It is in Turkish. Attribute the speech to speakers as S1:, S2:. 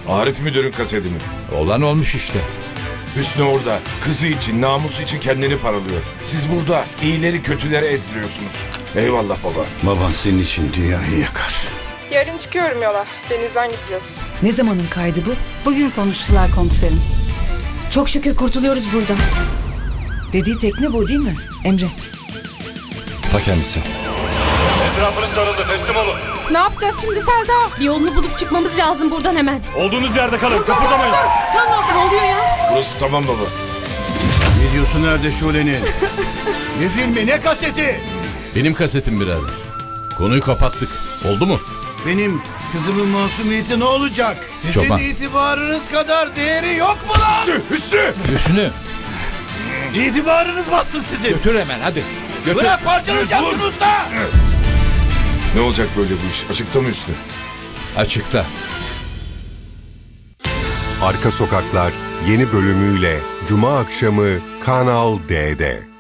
S1: Arif müdürün kaseti mi?
S2: Olan olmuş işte.
S1: Hüsnü orada. Kızı için, namusu için kendini paralıyor. Siz burada iyileri kötüleri ezdiriyorsunuz. Eyvallah baba.
S3: Baban senin için dünyayı yakar.
S4: Yarın çıkıyorum yola. Denizden gideceğiz.
S5: Ne zamanın kaydı bu?
S6: Bugün konuştular komiserim.
S5: Çok şükür kurtuluyoruz buradan. Dediği tekne bu değil mi Emre?
S2: Ta kendisi.
S7: Etrafınız sarıldı, teslim olun.
S4: Ne yapacağız şimdi Selda?
S6: Bir yolunu bulup çıkmamız lazım buradan hemen.
S7: Olduğunuz yerde kalın, kıpırdamayın.
S6: Ne oluyor ya?
S1: Burası tamam baba.
S3: Videosu nerede Şule'nin? Ne filmi, ne kaseti?
S2: Benim kasetim birader. Konuyu kapattık. Oldu mu?
S3: Benim kızımın masumiyeti ne olacak? Sizin
S2: Çoban.
S3: itibarınız kadar değeri yok mu lan?
S1: Hüsnü!
S2: Hüsnü.
S3: İtibarınız bassın sizin.
S2: Götür hemen hadi. Götür.
S3: Bırak parçalayacağım şunu usta.
S1: Ne olacak böyle bu iş? Açıkta mı Hüsnü?
S2: Açıkta.
S8: Arka Sokaklar yeni bölümüyle Cuma akşamı Kanal D'de.